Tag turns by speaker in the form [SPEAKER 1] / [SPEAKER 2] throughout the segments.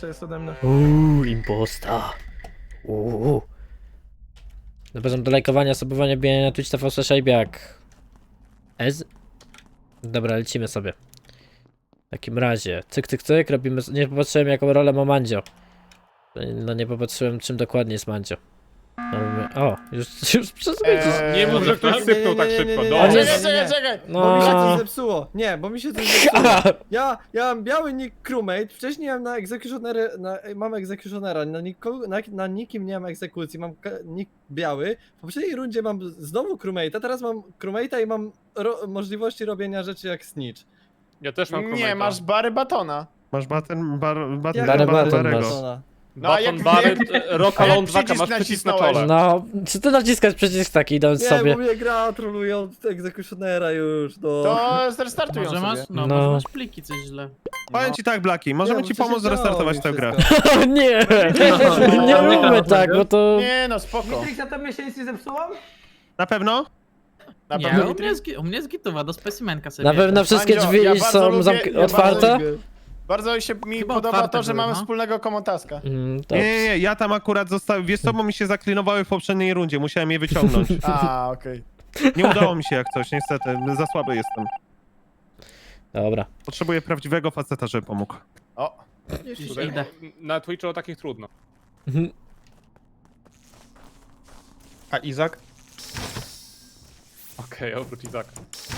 [SPEAKER 1] jeszcze jest ode mnie.
[SPEAKER 2] Imposta. Zapraszam do lajkowania, subowania, bijania na Twitch, TV, Szajbiak. Dobra, lecimy sobie. W takim razie, cyk, cyk, cyk, robimy... Nie popatrzyłem jaką rolę ma Mandzio. No nie popatrzyłem czym dokładnie jest Mandzio. Robimy... O, już przezwycisz.
[SPEAKER 3] Nie mów, że ktoś sypnął tak szybko.
[SPEAKER 2] O
[SPEAKER 3] Dobra.
[SPEAKER 2] nie,
[SPEAKER 1] Czekaj,
[SPEAKER 2] No.
[SPEAKER 1] bo mi się coś zepsuło. Nie, bo mi się coś zepsuło. Ja mam biały nick crewmate, wcześniej miałem na egzekutionery, mam egzekutionera, na nikim nie mam egzekucji, mam nick biały. W poprzedniej rundzie mam znowu crewmate'a, teraz mam crewmate'a i mam możliwości robienia rzeczy jak snitch.
[SPEAKER 3] Ja też mam
[SPEAKER 4] Nie,
[SPEAKER 3] krometa.
[SPEAKER 4] masz Bary Batona.
[SPEAKER 5] Masz baton
[SPEAKER 2] Bary
[SPEAKER 5] Barego.
[SPEAKER 2] baton masz.
[SPEAKER 4] No a
[SPEAKER 3] Baton
[SPEAKER 4] jak
[SPEAKER 3] Barret, Rock Alone 2
[SPEAKER 4] przycisk
[SPEAKER 3] masz przycisk na
[SPEAKER 4] nacisnąłeś?
[SPEAKER 3] czole.
[SPEAKER 2] No, czy ty naciskasz przycisk taki idąc
[SPEAKER 1] Nie,
[SPEAKER 2] sobie?
[SPEAKER 1] bo mnie gra troluje od egzekutionera już, no.
[SPEAKER 4] To zrestartuj ją
[SPEAKER 6] Może masz,
[SPEAKER 4] sobie.
[SPEAKER 6] no,
[SPEAKER 2] No.
[SPEAKER 6] może masz pliki coś źle.
[SPEAKER 5] Powiem ci tak, Blaki, możemy
[SPEAKER 1] Nie,
[SPEAKER 5] ci
[SPEAKER 1] bo przecież
[SPEAKER 5] pomóc zrestartować
[SPEAKER 1] działo
[SPEAKER 5] tę
[SPEAKER 1] mi
[SPEAKER 5] grę.
[SPEAKER 1] wszystko.
[SPEAKER 2] O nie! Nie róbmy tak, bo to...
[SPEAKER 4] Nie no, spoko.
[SPEAKER 7] Mitrix, a tobie się nic nie zepsuło?
[SPEAKER 5] Na pewno?
[SPEAKER 4] Na
[SPEAKER 6] Nie,
[SPEAKER 4] pewno
[SPEAKER 6] u mnie jest gitowa, do specimenka sobie.
[SPEAKER 2] Na pewno wszystkie
[SPEAKER 4] Mandzio,
[SPEAKER 2] drzwi
[SPEAKER 4] ja bardzo
[SPEAKER 2] są
[SPEAKER 4] lubię- ja
[SPEAKER 2] otwarte?
[SPEAKER 4] Bardzo mi
[SPEAKER 6] Chyba
[SPEAKER 4] podoba
[SPEAKER 6] otwarte
[SPEAKER 4] to, że
[SPEAKER 6] były,
[SPEAKER 4] mamy
[SPEAKER 6] no.
[SPEAKER 4] wspólnego komotaska.
[SPEAKER 5] Nie, ja tam akurat zostałem, wiesz co, bo mi się zaklinowały w poprzedniej rundzie, musiałem je wyciągnąć.
[SPEAKER 4] A, okej.
[SPEAKER 5] Nie udało mi się jak coś, niestety, za słaby jestem.
[SPEAKER 2] Dobra.
[SPEAKER 5] Potrzebuję prawdziwego faceta, żeby pomógł.
[SPEAKER 4] O,
[SPEAKER 3] Tutaj
[SPEAKER 6] Idę.
[SPEAKER 3] Na Twitchu o takich trudno.
[SPEAKER 5] A Izak?
[SPEAKER 3] Okej, oprócz Izaka.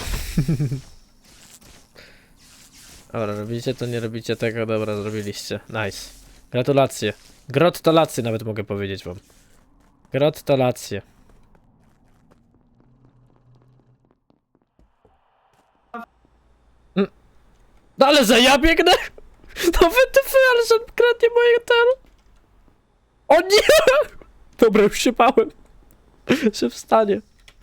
[SPEAKER 2] Dobra, robicie to, nie robicie tego, dobra, zrobiliście. Nice. Gratulacje. Grottolacje nawet mogę powiedzieć wam. Grottolacje. No ale że ja biegnę? No wytyfy, ale że on kradnie moje ten. O nie! Dobra, już się bałem. Że wstanie.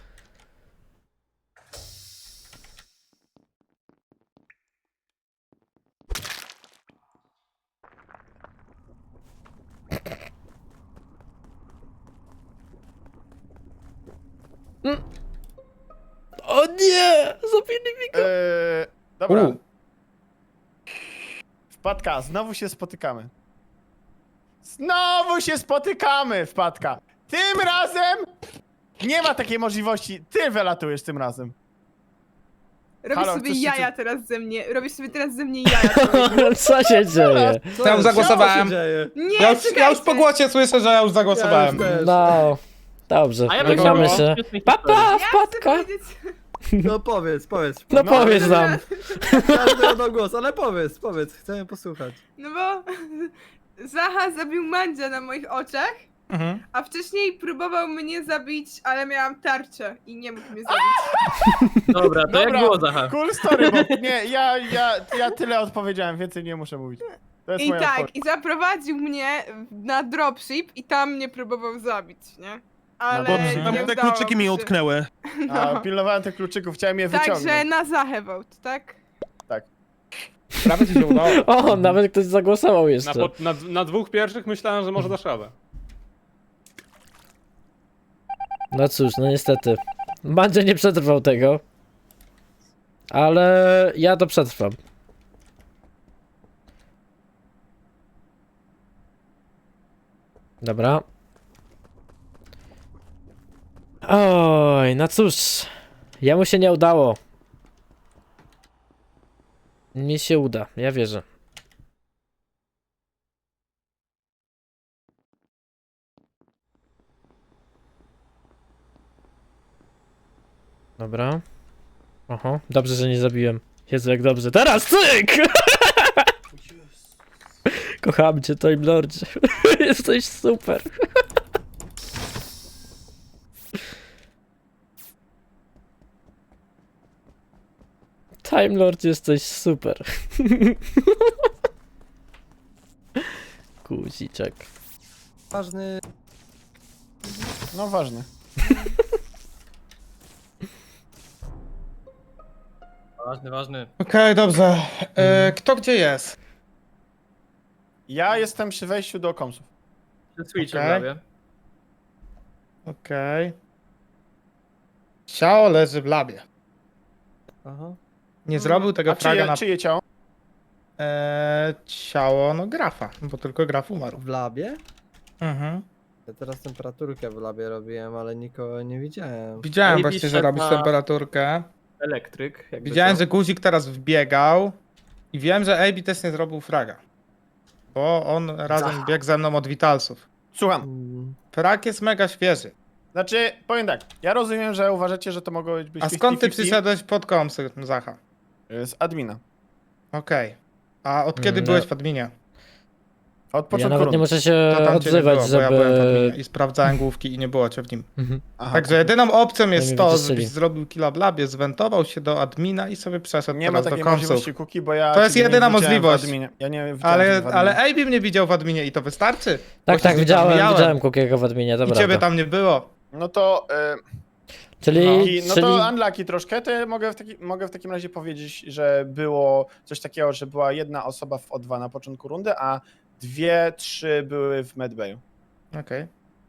[SPEAKER 2] O nie! Zabili mi go!
[SPEAKER 4] dobra. Wpadka, znowu się spotykamy. Znowu się spotykamy, Wpadka. Tym razem nie ma takiej możliwości. Ty wylatujesz tym razem.
[SPEAKER 8] Robisz
[SPEAKER 4] Halo,
[SPEAKER 8] sobie
[SPEAKER 4] coś się
[SPEAKER 8] jaja
[SPEAKER 4] tu-
[SPEAKER 8] teraz ze mnie. Robisz sobie teraz ze mnie jaja.
[SPEAKER 2] Co się dzieje?
[SPEAKER 1] Co
[SPEAKER 9] Ja już zagłosowałem.
[SPEAKER 1] Co się dzieje?
[SPEAKER 8] Nie,
[SPEAKER 9] Ja już
[SPEAKER 8] czekajcie.
[SPEAKER 9] po głosie słyszę, że ja już zagłosowałem.
[SPEAKER 1] Ja już też.
[SPEAKER 2] No. Dobrze,
[SPEAKER 6] A ja
[SPEAKER 2] żegnamy
[SPEAKER 6] bym
[SPEAKER 2] się. Papa,
[SPEAKER 8] Ja chcę
[SPEAKER 2] wpadka!
[SPEAKER 8] powiedzieć...
[SPEAKER 1] No powiedz.
[SPEAKER 2] No powiedz nam.
[SPEAKER 1] Każdy oddał głos, ale powiedz, chcemy posłuchać.
[SPEAKER 8] No bo Zaha zabił Mandzia na moich oczach,
[SPEAKER 9] Mhm.
[SPEAKER 8] a wcześniej próbował mnie zabić, ale miałam tarczę i nie mógł mnie zabić.
[SPEAKER 6] Dobra, to jak
[SPEAKER 4] Dobra.
[SPEAKER 6] było, Zacha?
[SPEAKER 4] Cool story, bo nie, ja tyle odpowiedziałem, więcej nie muszę mówić. To jest
[SPEAKER 8] I
[SPEAKER 4] moja
[SPEAKER 8] tak,
[SPEAKER 4] odpowiedź.
[SPEAKER 8] i zaprowadził mnie na dropship i tam mnie próbował zabić, nie? Ale
[SPEAKER 5] Bo
[SPEAKER 8] nie
[SPEAKER 5] tam te
[SPEAKER 8] udało
[SPEAKER 5] kluczyki mi
[SPEAKER 8] się.
[SPEAKER 5] utknęły.
[SPEAKER 4] A, pilnowałem tych kluczyków, chciałem je wyciągnąć.
[SPEAKER 8] Także na Zachę vote, tak?
[SPEAKER 9] Prawie ci się udało.
[SPEAKER 2] O, nawet ktoś zagłosował
[SPEAKER 3] Na,
[SPEAKER 2] jeszcze.
[SPEAKER 3] na dwóch pierwszych myślałem, że może dasz radę.
[SPEAKER 2] No cóż, no niestety. Mandzio nie przetrwał tego. Ale ja to przetrwam. Dobra. Oj, no cóż. Jemu się nie udało. Mi się uda, ja wierzę. Dobra. Oho, dobrze, że nie zabiłem. Jezu, jak dobrze. Teraz cyk! Kocham cię, Time Lordzie. Jesteś super. Time Lord, jesteś super. Guziczek.
[SPEAKER 1] Ważny...
[SPEAKER 4] No ważne.
[SPEAKER 7] Ważny.
[SPEAKER 9] Okej, dobrze. Kto gdzie jest?
[SPEAKER 4] Ja jestem przy wejściu do komsów.
[SPEAKER 7] Przed Switchem
[SPEAKER 9] Okej.
[SPEAKER 7] prawie.
[SPEAKER 9] Okej. Ciało leży w labie.
[SPEAKER 1] Aha.
[SPEAKER 9] Nie zrobił tego
[SPEAKER 4] A
[SPEAKER 9] fraga
[SPEAKER 4] czyje,
[SPEAKER 9] na...
[SPEAKER 4] czyje ciało?
[SPEAKER 9] Ciało, no Grafa, bo tylko Graf umarł.
[SPEAKER 1] W labie?
[SPEAKER 9] Mhm.
[SPEAKER 1] Ja teraz temperaturkę w labie robiłem, ale nikogo nie widziałem.
[SPEAKER 9] Widziałem
[SPEAKER 7] Maybe
[SPEAKER 9] właśnie, że
[SPEAKER 7] szedł
[SPEAKER 9] robisz
[SPEAKER 7] na-
[SPEAKER 9] temperaturkę.
[SPEAKER 7] Elektryk. jakby
[SPEAKER 9] Widziałem,
[SPEAKER 7] co.
[SPEAKER 9] że guzik teraz wbiegał. I wiem, że AB też nie zrobił fraga. Bo on razem biegł ze mną od Vitalsów.
[SPEAKER 4] Słucham.
[SPEAKER 1] Mm,
[SPEAKER 9] Frag jest mega świeży.
[SPEAKER 4] Znaczy, powiem tak, ja rozumiem, że uważacie, że to mogło być
[SPEAKER 9] A skąd ty
[SPEAKER 4] 50-50.
[SPEAKER 9] przyszedłeś pod komsy, Zacha?
[SPEAKER 4] Z admina.
[SPEAKER 9] Okej. A od kiedy
[SPEAKER 2] No.
[SPEAKER 9] byłeś w adminie?
[SPEAKER 4] Od
[SPEAKER 2] Ja
[SPEAKER 4] początku
[SPEAKER 2] nawet nie
[SPEAKER 4] rundy.
[SPEAKER 2] muszę się
[SPEAKER 9] To tam cię nie
[SPEAKER 2] odzywać,
[SPEAKER 9] było, bo ja byłem w
[SPEAKER 2] żeby...
[SPEAKER 9] adminie i sprawdzałem główki i nie było cię w nim.
[SPEAKER 2] Mhm.
[SPEAKER 4] Aha.
[SPEAKER 9] Także jedyną opcją jest
[SPEAKER 2] mnie
[SPEAKER 9] to,
[SPEAKER 2] wyciszyli.
[SPEAKER 9] żebyś zrobił killa w labie, zwentował się do admina i sobie przeszedł
[SPEAKER 4] Nie ma
[SPEAKER 9] teraz do
[SPEAKER 4] takiej
[SPEAKER 9] komsów.
[SPEAKER 4] możliwości cookie, bo ja...
[SPEAKER 9] To jest
[SPEAKER 4] ciebie nie
[SPEAKER 9] jedyna
[SPEAKER 4] widziałem w
[SPEAKER 9] możliwość.
[SPEAKER 4] adminie. Ja nie widziałem ciebie w
[SPEAKER 9] Ale
[SPEAKER 4] adminie.
[SPEAKER 9] AB mnie widział w adminie i to wystarczy. Bo
[SPEAKER 2] Tak,
[SPEAKER 9] się z nim
[SPEAKER 2] widziałem
[SPEAKER 9] mijałem.
[SPEAKER 2] Kukiego w adminie,
[SPEAKER 9] I
[SPEAKER 2] dobra.
[SPEAKER 9] ciebie tam nie było.
[SPEAKER 4] No to...
[SPEAKER 2] Czyli,
[SPEAKER 4] No
[SPEAKER 2] czyli...
[SPEAKER 4] to unlucky troszkę, to ja mogę w takim razie powiedzieć, że było coś takiego, że była jedna osoba w O2 na początku rundy, a 2-3 były w medbayu.
[SPEAKER 9] Okej.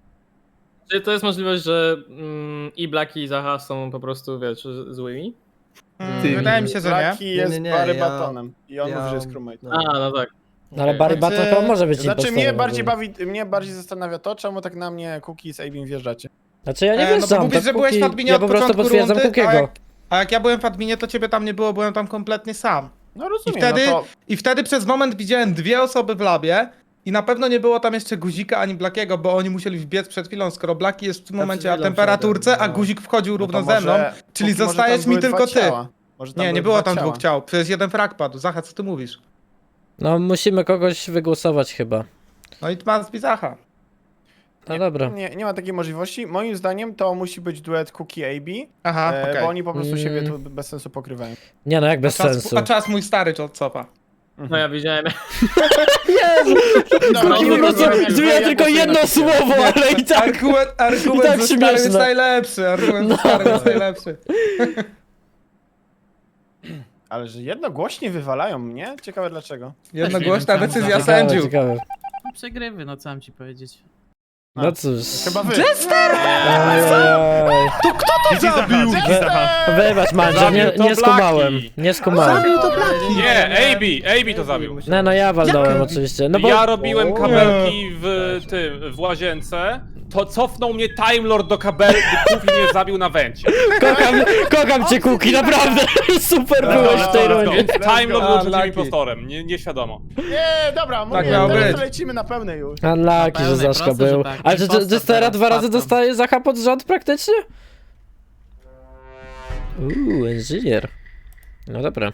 [SPEAKER 7] Czy to jest możliwość, że i Black i Zaha są po prostu, wiesz, złymi?
[SPEAKER 9] Wydaje mi się, że nie.
[SPEAKER 4] Lucky jest
[SPEAKER 1] nie,
[SPEAKER 4] Barry
[SPEAKER 1] ja-
[SPEAKER 4] Batonem i on mówi, że jest crewmate.
[SPEAKER 1] no.
[SPEAKER 7] A, no tak.
[SPEAKER 2] No, ale Barry
[SPEAKER 9] Znaczy-
[SPEAKER 2] Button chyba może być
[SPEAKER 4] Znaczy
[SPEAKER 2] impostorem.
[SPEAKER 4] mnie bardziej zastanawia to, czemu tak na mnie Cookie z Abim wjeżdżacie.
[SPEAKER 2] Znaczy ja nie
[SPEAKER 9] No bo
[SPEAKER 2] wjeżdżam,
[SPEAKER 9] mówisz,
[SPEAKER 2] to
[SPEAKER 9] że byłeś w
[SPEAKER 2] Kuki-
[SPEAKER 9] adminie
[SPEAKER 2] ja
[SPEAKER 9] od
[SPEAKER 2] po prostu
[SPEAKER 9] początku
[SPEAKER 2] potwierdzam
[SPEAKER 9] rundy,
[SPEAKER 2] Kukiego.
[SPEAKER 9] a jak ja byłem w adminie, to ciebie tam nie było, byłem tam kompletnie sam.
[SPEAKER 4] No rozumiem,
[SPEAKER 9] wtedy-
[SPEAKER 4] no to...
[SPEAKER 9] I wtedy przez moment widziałem 2 osoby w labie i na pewno nie było tam jeszcze Guzika ani Blackiego, bo oni musieli wbiec przed chwilą, skoro Blacki jest w tym
[SPEAKER 1] Ja
[SPEAKER 9] momencie
[SPEAKER 1] przed
[SPEAKER 9] na
[SPEAKER 1] chwilą
[SPEAKER 9] temperaturce,
[SPEAKER 1] wszedłem,
[SPEAKER 9] a
[SPEAKER 1] no.
[SPEAKER 9] Guzik wchodził
[SPEAKER 4] no to
[SPEAKER 9] równo ze mną.
[SPEAKER 4] może-
[SPEAKER 9] czyli
[SPEAKER 4] Cookie, może
[SPEAKER 9] zostajesz
[SPEAKER 4] tam
[SPEAKER 9] mi
[SPEAKER 4] były
[SPEAKER 9] tylko
[SPEAKER 4] dwa
[SPEAKER 9] ty.
[SPEAKER 4] ciała. Może tam
[SPEAKER 9] Nie, nie
[SPEAKER 4] były
[SPEAKER 9] było
[SPEAKER 4] dwa
[SPEAKER 9] tam 2 ciał, przecież jeden frag padł. Zacha, co ty mówisz?
[SPEAKER 2] No musimy kogoś wygłosować chyba.
[SPEAKER 9] No i must be Zacha.
[SPEAKER 2] No dobra.
[SPEAKER 4] Nie ma takiej możliwości. Moim zdaniem to musi być duet Cookie-AB,
[SPEAKER 9] Aha, okej.
[SPEAKER 4] bo oni po prostu siebie
[SPEAKER 2] Mm.
[SPEAKER 4] tu bez sensu pokrywają.
[SPEAKER 2] Nie no, jak bez sensu.
[SPEAKER 9] A czas mój stary od cofa.
[SPEAKER 7] No ja widziałem.
[SPEAKER 4] Dobra,
[SPEAKER 2] Kuki
[SPEAKER 4] nie
[SPEAKER 2] po prostu
[SPEAKER 4] wiem, jak
[SPEAKER 2] zmienia
[SPEAKER 4] wy-
[SPEAKER 2] tylko
[SPEAKER 4] jak
[SPEAKER 2] jedno
[SPEAKER 4] głosujecie.
[SPEAKER 2] słowo, ale i tak...
[SPEAKER 9] Argument
[SPEAKER 2] tak
[SPEAKER 9] ze starym
[SPEAKER 2] śmieszne.
[SPEAKER 9] jest najlepszy. Argument ze starym jest najlepszy.
[SPEAKER 4] Ale że jednogłośnie wywalają mnie? Ciekawe dlaczego.
[SPEAKER 9] Jednogłośna
[SPEAKER 6] wiem,
[SPEAKER 9] decyzja
[SPEAKER 6] co-
[SPEAKER 9] sędziów.
[SPEAKER 2] Ciekawe.
[SPEAKER 6] Przegrywy, no co mam ci powiedzieć.
[SPEAKER 2] No cóż.
[SPEAKER 4] Chyba wy.
[SPEAKER 2] Ajajaj.
[SPEAKER 5] Widzi Zacha, widzi Zacha.
[SPEAKER 2] Wybacz Mandzio, nie,
[SPEAKER 3] Zabił to
[SPEAKER 2] nie skumałem.
[SPEAKER 3] Blacki.
[SPEAKER 2] Nie skumałem.
[SPEAKER 3] Nie, AB to zabił.
[SPEAKER 2] No, no ja walnąłem oczywiście. No bo...
[SPEAKER 3] Ja robiłem kabelki w łazience, to cofnął mnie Time Lord do kabelki i mnie zabił na węcie.
[SPEAKER 2] Kocham cię Kuki, naprawdę. Super byłeś w tej
[SPEAKER 4] let's go.
[SPEAKER 2] rundzie.
[SPEAKER 3] Więc Time Lord był przeciwnym
[SPEAKER 9] Unlucky.
[SPEAKER 3] impostorem, nieświadomo.
[SPEAKER 4] Nie, dobra, mówię,
[SPEAKER 9] miało
[SPEAKER 4] teraz
[SPEAKER 9] być.
[SPEAKER 4] lecimy na pełnej już.
[SPEAKER 2] Unlucky, że
[SPEAKER 6] pełnej,
[SPEAKER 2] Zaszka
[SPEAKER 6] proste, że
[SPEAKER 2] był.
[SPEAKER 6] tak.
[SPEAKER 2] Ale czy
[SPEAKER 6] Impostor
[SPEAKER 2] Dystera
[SPEAKER 6] teraz
[SPEAKER 2] 2 razy
[SPEAKER 6] spadł.
[SPEAKER 2] dostaje Zacha pod rząd praktycznie? Inżynier. No dobra.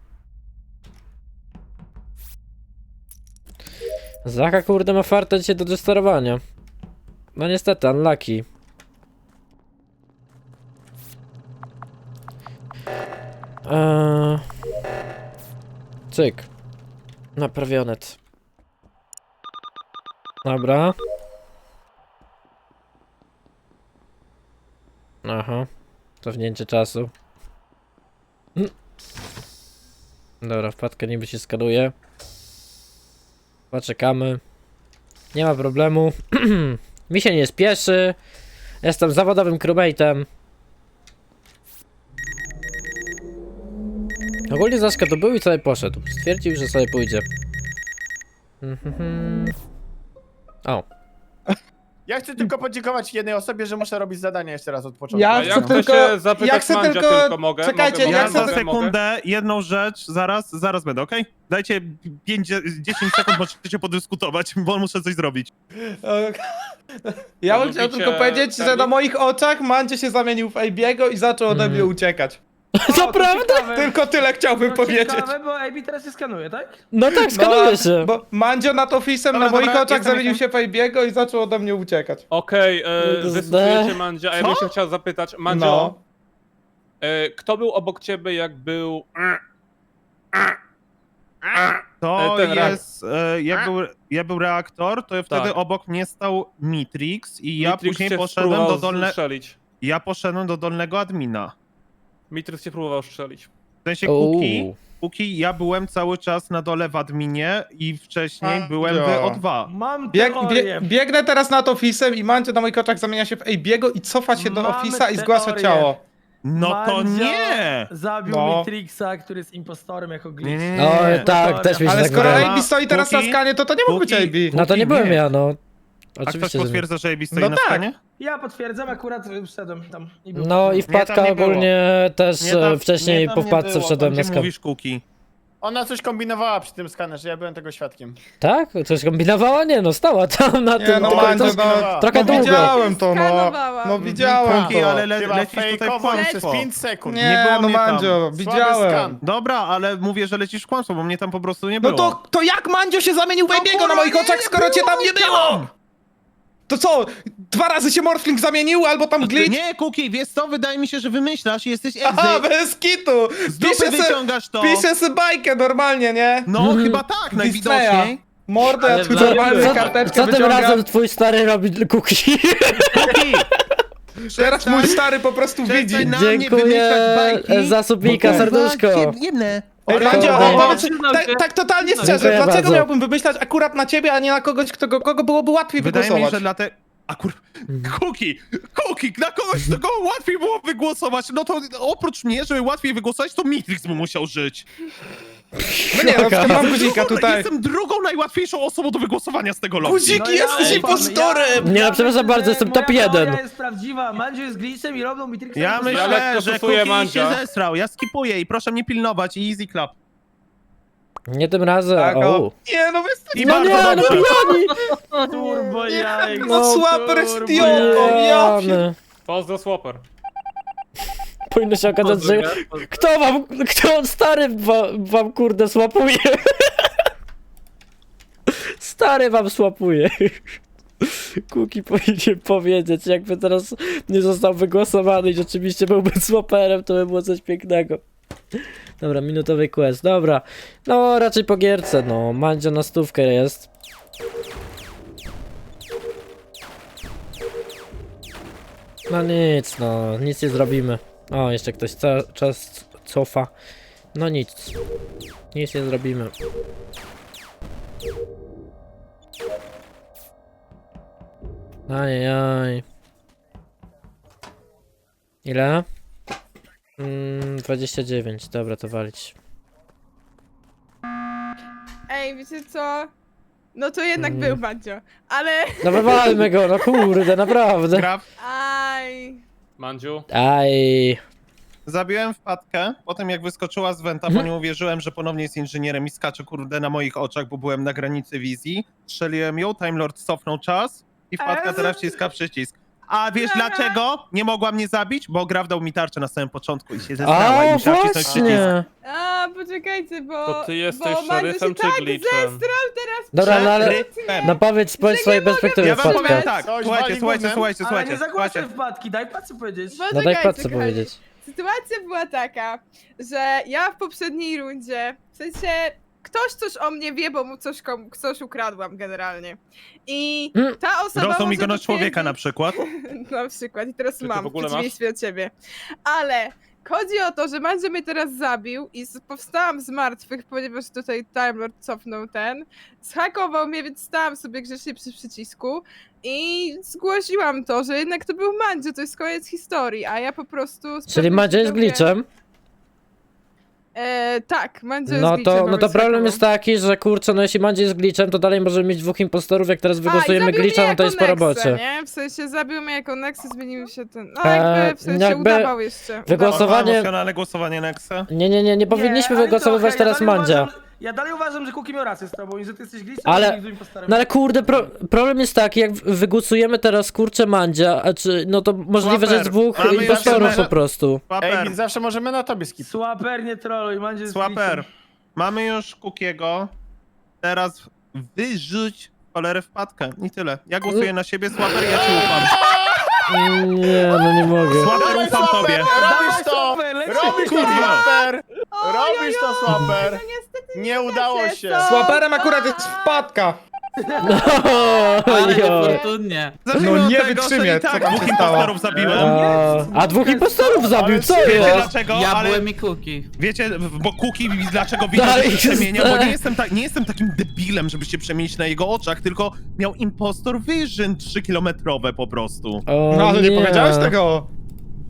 [SPEAKER 2] Zacha kurde ma fartę dzisiaj do desterowania. No niestety, unlucky. Cyk. Naprawionet. Dobra. Aha. Cofnięcie czasu. Dobra, wpadka niby się skanuje. Poczekamy. Nie ma problemu. Mi się nie spieszy. Jestem zawodowym crewmate'em. Ogólnie Zaszka to był i sobie poszedł. Stwierdził, że sobie pójdzie. O.
[SPEAKER 4] Ja chcę tylko podziękować jednej osobie, że muszę robić zadania jeszcze raz od początku.
[SPEAKER 9] Ja
[SPEAKER 3] A
[SPEAKER 9] chcę
[SPEAKER 3] jak chcę
[SPEAKER 9] tylko...
[SPEAKER 3] się zapytać
[SPEAKER 9] ja chcę
[SPEAKER 3] Mandzia,
[SPEAKER 9] tylko...
[SPEAKER 3] tylko mogę?
[SPEAKER 9] Czekajcie,
[SPEAKER 3] Mogę,
[SPEAKER 9] ja
[SPEAKER 5] Ja
[SPEAKER 9] chcę...
[SPEAKER 5] za sekundę jedną rzecz, zaraz będę, okej? Dajcie 10 sekund, możecie podyskutować, bo muszę coś zrobić.
[SPEAKER 9] Ja bym chciał
[SPEAKER 3] Lubicie
[SPEAKER 9] tylko powiedzieć, że
[SPEAKER 3] Charlie?
[SPEAKER 9] na moich oczach Mandzie się zamienił w Abiego i zaczął ode mnie uciekać.
[SPEAKER 2] Naprawdę?
[SPEAKER 9] Tylko tyle chciałbym powiedzieć.
[SPEAKER 7] Ciekawe, bo AB teraz się skanuje, tak?
[SPEAKER 2] No tak, skanuje się.
[SPEAKER 9] Bo Mandzio nad ofisem
[SPEAKER 4] Dobra,
[SPEAKER 9] na moich
[SPEAKER 4] dobra,
[SPEAKER 9] oczach
[SPEAKER 4] jestem,
[SPEAKER 9] zamienił się w Abiego i zaczął ode mnie uciekać.
[SPEAKER 3] Okej,
[SPEAKER 2] XD.
[SPEAKER 3] wystosujecie Mandzia, a ja bym się chciał zapytać, Mandzio,
[SPEAKER 9] No.
[SPEAKER 3] kto był obok ciebie jak był...
[SPEAKER 5] To
[SPEAKER 3] Ten
[SPEAKER 5] jest, jak był reaktor, to wtedy
[SPEAKER 3] Tak.
[SPEAKER 5] obok mnie stał Mitrix i ja
[SPEAKER 3] Mitrix
[SPEAKER 5] później
[SPEAKER 3] cię
[SPEAKER 5] poszedłem
[SPEAKER 3] próbował
[SPEAKER 5] do
[SPEAKER 3] strzelić.
[SPEAKER 5] poszedłem do dolnego admina.
[SPEAKER 3] Mitrix cię próbował strzelić.
[SPEAKER 5] W sensie
[SPEAKER 2] Uuu.
[SPEAKER 5] Kuki, ja byłem cały czas na dole w adminie i wcześniej
[SPEAKER 9] A,
[SPEAKER 5] byłem w
[SPEAKER 9] ja.
[SPEAKER 5] O2.
[SPEAKER 7] Mam
[SPEAKER 9] Biegnę teraz nad ofisem i Mandzio na moich oczach zamienia się w Abiego i cofa się do
[SPEAKER 7] Mamy
[SPEAKER 9] ofisa i zgłasza
[SPEAKER 7] teorię.
[SPEAKER 9] ciało.
[SPEAKER 5] No to
[SPEAKER 6] Mandzio
[SPEAKER 5] nie!
[SPEAKER 6] Zabił
[SPEAKER 9] No.
[SPEAKER 6] Matrixa, który jest impostorem jako glitch.
[SPEAKER 5] Nie.
[SPEAKER 2] O, tak, też mi się
[SPEAKER 9] Ale
[SPEAKER 2] tak
[SPEAKER 9] skoro
[SPEAKER 2] wydaje.
[SPEAKER 9] AB stoi teraz na
[SPEAKER 5] Kuki?
[SPEAKER 9] skanie, to nie mógł być
[SPEAKER 5] Kuki?
[SPEAKER 9] AB.
[SPEAKER 2] No to nie byłem
[SPEAKER 5] nie.
[SPEAKER 2] ja, no.
[SPEAKER 5] A ktoś
[SPEAKER 2] Oczywiście, że nie.
[SPEAKER 5] potwierdza, że AB stoi
[SPEAKER 9] No
[SPEAKER 5] na
[SPEAKER 9] tak.
[SPEAKER 5] stanie?
[SPEAKER 6] Ja potwierdzam, akurat wszedłem tam. I był.
[SPEAKER 2] No i
[SPEAKER 5] Nie,
[SPEAKER 2] wpadka
[SPEAKER 5] tam nie było.
[SPEAKER 2] ogólnie też
[SPEAKER 5] Nie, tam-
[SPEAKER 2] wcześniej
[SPEAKER 4] nie, tam
[SPEAKER 2] po
[SPEAKER 4] nie
[SPEAKER 2] wpadce
[SPEAKER 4] było,
[SPEAKER 2] wszedłem
[SPEAKER 5] Gdzie
[SPEAKER 2] na skan.
[SPEAKER 5] mówisz Kuki?
[SPEAKER 4] Ona coś kombinowała przy tym skanerze, ja byłem tego świadkiem.
[SPEAKER 2] Tak? Coś kombinowała? Nie no, stała tam na
[SPEAKER 9] Nie
[SPEAKER 2] tym.
[SPEAKER 9] no,
[SPEAKER 2] tylko
[SPEAKER 9] Mandzio,
[SPEAKER 2] to-
[SPEAKER 4] kombinowała.
[SPEAKER 2] trochę
[SPEAKER 9] no
[SPEAKER 2] długo.
[SPEAKER 9] widziałem to, no.
[SPEAKER 8] Skanowałam.
[SPEAKER 9] No widziałem
[SPEAKER 5] Kuki,
[SPEAKER 9] to.
[SPEAKER 5] ale
[SPEAKER 4] Chyba
[SPEAKER 5] lecisz tutaj w
[SPEAKER 4] fejkowo przez
[SPEAKER 5] kłamstwo.
[SPEAKER 4] 5 sekund.
[SPEAKER 5] Nie było
[SPEAKER 9] no
[SPEAKER 5] mnie tam.
[SPEAKER 9] Mandzio,
[SPEAKER 4] Słaby
[SPEAKER 9] widziałem.
[SPEAKER 4] skan.
[SPEAKER 5] Dobra, ale mówię, że lecisz w kłamstwo, bo mnie tam po prostu nie
[SPEAKER 9] No
[SPEAKER 5] było.
[SPEAKER 9] to jak Mandzio się zamienił w AB'ego na moich oczach, skoro cię tam nie było? To co, 2 razy się Morphling zamienił, albo tam glitch?
[SPEAKER 5] Nie, Kuki, wiesz co, wydaje mi się, że wymyślasz i jesteś
[SPEAKER 9] Aha,
[SPEAKER 5] egzy.
[SPEAKER 9] bez kitu!
[SPEAKER 5] Z dupy wyciągasz to.
[SPEAKER 9] Piszę se bajkę normalnie, nie?
[SPEAKER 5] No, chyba tak, najwidoczniej.
[SPEAKER 9] Mordę, ja
[SPEAKER 6] Ale
[SPEAKER 9] tu
[SPEAKER 6] co-
[SPEAKER 9] normalnie
[SPEAKER 2] Co,
[SPEAKER 9] karteczkę
[SPEAKER 2] co tym
[SPEAKER 9] wyciągam.
[SPEAKER 2] razem twój stary robi kuki?
[SPEAKER 5] Kuki,
[SPEAKER 9] Teraz mój stary po prostu
[SPEAKER 5] Przestań
[SPEAKER 9] widzi.
[SPEAKER 5] na mnie
[SPEAKER 2] Dziękuję
[SPEAKER 5] wymyślać bajki,
[SPEAKER 2] za subika,
[SPEAKER 5] bo
[SPEAKER 2] serduszko.
[SPEAKER 5] jedne.
[SPEAKER 9] Ej,
[SPEAKER 2] Oj,
[SPEAKER 9] Mandzio,
[SPEAKER 2] kurde.
[SPEAKER 9] powiedz,
[SPEAKER 6] Przyznał się.
[SPEAKER 9] tak totalnie szczerze,
[SPEAKER 2] Dziękuję
[SPEAKER 9] dlaczego
[SPEAKER 2] bardzo.
[SPEAKER 9] miałbym wymyślać akurat na ciebie, a nie na kogoś, kogo byłoby łatwiej
[SPEAKER 5] Wydaje mi się,
[SPEAKER 9] wygłosować?
[SPEAKER 5] że dlatego... Kuki, na kogoś, kogo łatwiej było wygłosować, no to oprócz mnie, żeby łatwiej wygłosować, to Mitrix by musiał żyć.
[SPEAKER 9] No nie, na przykład mam guzika tutaj.
[SPEAKER 5] Jestem drugą najłatwiejszą osobą do wygłosowania z tego lobby.
[SPEAKER 9] Guzik, jesteś impostorem!
[SPEAKER 2] Nie, no, przepraszam bardzo, jestem top 1.
[SPEAKER 6] Teoria jest prawdziwa, Mandzio jest glitchem i robią Matrixa.
[SPEAKER 5] Ja
[SPEAKER 6] impostorem.
[SPEAKER 5] myślę,
[SPEAKER 3] lekko
[SPEAKER 5] że
[SPEAKER 3] stosuję
[SPEAKER 5] Kuki
[SPEAKER 3] Mandzia.
[SPEAKER 5] się zesrał, ja skipuję i proszę mnie pilnować i easy clap.
[SPEAKER 2] Nie tym razem.
[SPEAKER 9] Tak,
[SPEAKER 2] O.
[SPEAKER 9] o. Nie, no wy jesteście...
[SPEAKER 5] I
[SPEAKER 2] No
[SPEAKER 5] bardzo
[SPEAKER 2] nie, no
[SPEAKER 5] dobrze.
[SPEAKER 2] pijani!
[SPEAKER 6] Turbo jajek.
[SPEAKER 9] No Swapper jest idiotą, ja
[SPEAKER 2] Pijany.
[SPEAKER 3] Pozdro Swapper.
[SPEAKER 2] Powinno się okazać, że kto stary wam kurde słapuje? Stary wam słapuje. Kuki powinien powiedzieć, jakby teraz nie został wygłosowany i rzeczywiście byłby swaperem, to by było coś pięknego. Dobra, minutowy quest, dobra. No, raczej po gierce, no. Mandzio na 100 jest. No nic, no. Nic nie zrobimy. O, jeszcze ktoś czas cofa. No nic. Nic nie zrobimy. Ajajaj. Ile? 29, dobra, to walić.
[SPEAKER 8] Ej, wiecie co? No to jednak
[SPEAKER 2] Mm.
[SPEAKER 8] był Mandzio, ale...
[SPEAKER 2] No wywalmy go, no kurde, naprawdę.
[SPEAKER 5] Graf,
[SPEAKER 8] Aj...
[SPEAKER 3] Mandziu.
[SPEAKER 2] Aj.
[SPEAKER 5] zabiłem wpadkę, potem jak wyskoczyła z wenta, bo nie uwierzyłem, że ponownie jest inżynierem i skacze kurde na moich oczach, bo byłem na granicy wizji. Strzeliłem ją, Time Lord cofnął czas i wpadka teraz wciska przycisk. A wiesz dlaczego nie mogła mnie zabić? Bo Graf dał mi tarczę na samym początku i się zesrała i
[SPEAKER 2] A,
[SPEAKER 5] musiała wcisnąć przycisk.
[SPEAKER 2] właśnie.
[SPEAKER 8] A, poczekajcie, bo...
[SPEAKER 3] To ty jesteś
[SPEAKER 8] bo Mandzio
[SPEAKER 3] szeryfem
[SPEAKER 8] się
[SPEAKER 3] czy
[SPEAKER 8] tak
[SPEAKER 3] glitchem?
[SPEAKER 8] zestrał teraz
[SPEAKER 2] Dobra, no ale...
[SPEAKER 5] Rytmem.
[SPEAKER 2] No powiedz z swojej perspektywy,
[SPEAKER 5] Ja wam
[SPEAKER 2] wpadka.
[SPEAKER 5] powiem tak,
[SPEAKER 4] Coś
[SPEAKER 5] słuchajcie,
[SPEAKER 4] wali
[SPEAKER 5] słuchajcie,
[SPEAKER 4] gównem.
[SPEAKER 5] słuchajcie,
[SPEAKER 6] Ale nie
[SPEAKER 5] słuchajcie,
[SPEAKER 6] zagłaszaj
[SPEAKER 5] słuchajcie.
[SPEAKER 6] wpadki, daj pacy powiedzieć.
[SPEAKER 2] No daj
[SPEAKER 8] Poczekajcie,
[SPEAKER 2] Patce
[SPEAKER 8] kochani.
[SPEAKER 2] powiedzieć.
[SPEAKER 8] Sytuacja była taka, że ja w poprzedniej rundzie, w sensie ktoś coś o mnie wie, bo mu coś ukradłam generalnie. I ta osoba
[SPEAKER 5] Rosną mi
[SPEAKER 8] może
[SPEAKER 5] go na człowieka na
[SPEAKER 8] potwierdzić-
[SPEAKER 5] przykład.
[SPEAKER 8] Na przykład, i teraz
[SPEAKER 3] Czy ty
[SPEAKER 8] mam,
[SPEAKER 3] w ogóle
[SPEAKER 8] w przeciwieństwie od ciebie. Ale chodzi o to, że Mandzio mnie teraz zabił i powstałam z martwych, ponieważ tutaj Time Lord cofnął zhakował mnie, więc stałam sobie grzecznie przy przycisku i zgłosiłam to, że jednak to był Mandzio, to jest koniec historii, a ja po prostu...
[SPEAKER 2] Czyli Mandzio jest glitchem?
[SPEAKER 8] Tak, Mandzio jest
[SPEAKER 2] No
[SPEAKER 8] glitchem,
[SPEAKER 2] to,
[SPEAKER 8] bo
[SPEAKER 2] no to
[SPEAKER 8] mnie
[SPEAKER 2] problem
[SPEAKER 8] zhakował.
[SPEAKER 2] jest taki, że kurczę, no jeśli Mandzio jest glitchem, to dalej możemy mieć 2 impostorów, jak teraz wygłosujemy
[SPEAKER 8] zabił
[SPEAKER 2] glitcha,
[SPEAKER 8] mnie
[SPEAKER 2] no to
[SPEAKER 8] jako
[SPEAKER 2] jest po
[SPEAKER 8] Nexę,
[SPEAKER 2] robocie.
[SPEAKER 8] nie? W sensie zabił mnie jako Nexy, zmienił się ten... No jakby w sensie
[SPEAKER 2] jakby
[SPEAKER 8] udawał jeszcze.
[SPEAKER 2] wygłosowanie-
[SPEAKER 5] Emocjonalne głosowanie Nexa.
[SPEAKER 2] Nie powinniśmy
[SPEAKER 6] ale
[SPEAKER 2] wygłosowywać
[SPEAKER 6] trochę,
[SPEAKER 2] teraz Mandzia.
[SPEAKER 6] Ja dalej uważam, że Kuki miał rację z tobą i że ty jesteś glitchem,
[SPEAKER 2] Ale-
[SPEAKER 6] a nie impostorem.
[SPEAKER 2] No ale kurde, problem jest taki, jak wygłosujemy teraz kurczę Mandzia, a czy, no to możliwe, że jest
[SPEAKER 5] Swapper.
[SPEAKER 2] 2
[SPEAKER 5] Mamy
[SPEAKER 2] impostorów
[SPEAKER 5] jeszcze-
[SPEAKER 2] po prostu.
[SPEAKER 4] Ej,
[SPEAKER 5] Swapper,
[SPEAKER 4] więc zawsze możemy na tobie skip.
[SPEAKER 6] Swaper, nie troluj, Mandzio jest
[SPEAKER 5] Swapper.
[SPEAKER 6] glitchem.
[SPEAKER 5] Mamy już Kukiego. Teraz wyrzuć cholerę wpadkę. I tyle. Ja głosuję na siebie, Swapper, ja ci ufam.
[SPEAKER 2] Nie, no nie mogę.
[SPEAKER 5] Swapper, ufam tobie.
[SPEAKER 4] Robisz to!
[SPEAKER 6] Swapper, leci.
[SPEAKER 4] Robisz to,
[SPEAKER 5] Kurwa.
[SPEAKER 4] Swapper!
[SPEAKER 8] Oj,
[SPEAKER 4] Robisz to, Swapper!
[SPEAKER 8] No niestety
[SPEAKER 4] Nie udało
[SPEAKER 8] da
[SPEAKER 4] się.
[SPEAKER 8] co?
[SPEAKER 9] Swaperem akurat jest wpadka.
[SPEAKER 6] Ale
[SPEAKER 2] Ojoj.
[SPEAKER 6] niefortunnie.
[SPEAKER 5] Zacznijmy
[SPEAKER 9] No
[SPEAKER 5] od
[SPEAKER 9] nie
[SPEAKER 5] tego, że
[SPEAKER 9] wytrzymię,
[SPEAKER 5] i tak
[SPEAKER 9] co tam
[SPEAKER 5] 2
[SPEAKER 9] się stało.
[SPEAKER 5] impostorów zabiłem.
[SPEAKER 2] A 2 impostorów zabił, co
[SPEAKER 5] Wiecie
[SPEAKER 2] jest?
[SPEAKER 5] dlaczego?
[SPEAKER 6] Ja
[SPEAKER 5] Ale
[SPEAKER 6] byłem i Kuki.
[SPEAKER 5] wiecie, bo Kuki dlaczego widział,
[SPEAKER 2] Dalej
[SPEAKER 5] że się
[SPEAKER 2] jest-
[SPEAKER 5] przemienia? Bo nie jestem takim debilem, żeby się przemienić na jego oczach, tylko miał impostor vision 3-kilometrowe po prostu.
[SPEAKER 2] O,
[SPEAKER 9] No ale nie powiedziałeś tego.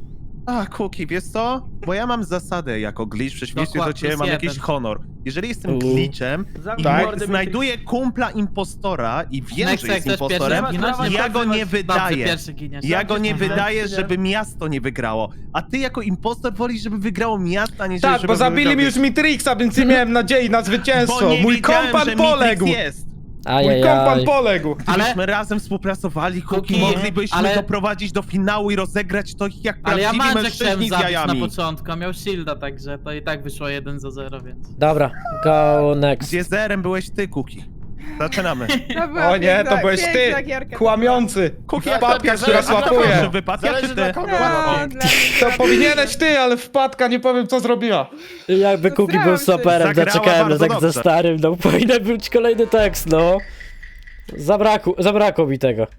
[SPEAKER 5] A, Kuki, wiesz co? Bo ja mam zasadę jako glitch, w przeciwieństwie do
[SPEAKER 7] Dokładnie,
[SPEAKER 5] ciebie mam
[SPEAKER 7] plus
[SPEAKER 5] jakiś
[SPEAKER 7] jeden.
[SPEAKER 5] honor. Jeżeli jestem
[SPEAKER 2] U.
[SPEAKER 5] glitchem i
[SPEAKER 6] Tak.
[SPEAKER 5] znajduję kumpla impostora i wiem, że
[SPEAKER 7] Nexek
[SPEAKER 5] jest
[SPEAKER 7] też
[SPEAKER 5] impostorem,
[SPEAKER 7] pierwszy ginąć,
[SPEAKER 5] ja go nie wydaję.
[SPEAKER 7] pierwszy giniesz.
[SPEAKER 5] Ja go nie
[SPEAKER 6] Dobrze,
[SPEAKER 5] wydaję,
[SPEAKER 6] dobrze.
[SPEAKER 5] żeby miasto nie wygrało. A ty jako impostor wolisz, żeby wygrało miasto, a nie
[SPEAKER 9] Tak,
[SPEAKER 5] żeby
[SPEAKER 9] bo zabili
[SPEAKER 5] wygrał
[SPEAKER 9] mi już
[SPEAKER 5] glitch.
[SPEAKER 9] Mitrixa, więc nie miałem nadziei na zwycięstwo.
[SPEAKER 5] Bo nie
[SPEAKER 9] Mój
[SPEAKER 5] wiedziałem,
[SPEAKER 9] kompan
[SPEAKER 5] że Mitrix
[SPEAKER 9] poległ!
[SPEAKER 5] jest.
[SPEAKER 9] Mój kompan
[SPEAKER 2] Ajajaj.
[SPEAKER 9] poległ!
[SPEAKER 5] Gdybyśmy razem współpracowali, Kuki,
[SPEAKER 7] Kuki,
[SPEAKER 5] moglibyśmy
[SPEAKER 7] ale-
[SPEAKER 5] doprowadzić do finału i rozegrać to jak
[SPEAKER 7] Ale ja
[SPEAKER 5] prawdziwi
[SPEAKER 7] Mandzia chciałem
[SPEAKER 5] mężczyźni z
[SPEAKER 7] zabić na
[SPEAKER 5] jajami.
[SPEAKER 7] początku, a miał shielda, także to i tak wyszło 1-0, więc...
[SPEAKER 2] Dobra, go next.
[SPEAKER 5] Gdzie zerem byłeś ty, Kuki? Zaczynamy.
[SPEAKER 8] To była
[SPEAKER 9] O nie, to
[SPEAKER 8] piękna-
[SPEAKER 9] byłej
[SPEAKER 8] piękna
[SPEAKER 9] ty!
[SPEAKER 8] gierka.
[SPEAKER 9] Kłamiący!
[SPEAKER 4] Kuki, jak
[SPEAKER 9] Wpadka,
[SPEAKER 4] to
[SPEAKER 9] która
[SPEAKER 4] zależy, a kto
[SPEAKER 9] słapuje!
[SPEAKER 4] może
[SPEAKER 5] Wypadka czy
[SPEAKER 4] Zależy
[SPEAKER 5] ty?
[SPEAKER 4] dla kogo.
[SPEAKER 8] No, dla mnie
[SPEAKER 9] To powinieneś ty, ale wpadka, nie powiem co zrobiła.
[SPEAKER 2] Jakby Kuki był
[SPEAKER 8] Postarałam się.
[SPEAKER 2] stoperem,
[SPEAKER 5] Zagrała
[SPEAKER 2] doczekałem na
[SPEAKER 5] bardzo
[SPEAKER 2] tak ze
[SPEAKER 5] dobrze.
[SPEAKER 2] starym, no powinien być kolejny tekst, no. Zabrakło mi tego.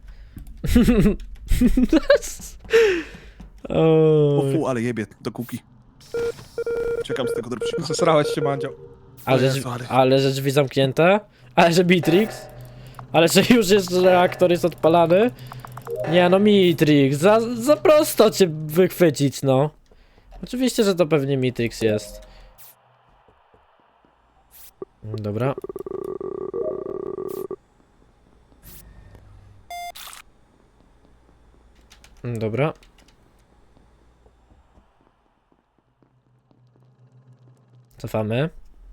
[SPEAKER 5] O
[SPEAKER 2] Oj.
[SPEAKER 5] fu, ale jebie do Kuki. Czekam z tego dropshipa.
[SPEAKER 9] Zesrałeś się, Mandzio.
[SPEAKER 2] Ale,
[SPEAKER 5] Jezu, ale-
[SPEAKER 2] ale że drzwi zamknięte? Ale że Mitrix? Ale że już jest reaktor jest odpalany? Nie no Mitrix, za prosto cię wychwycić no. Oczywiście, że to pewnie Mitrix jest. Dobra. Dobra. Cofamy.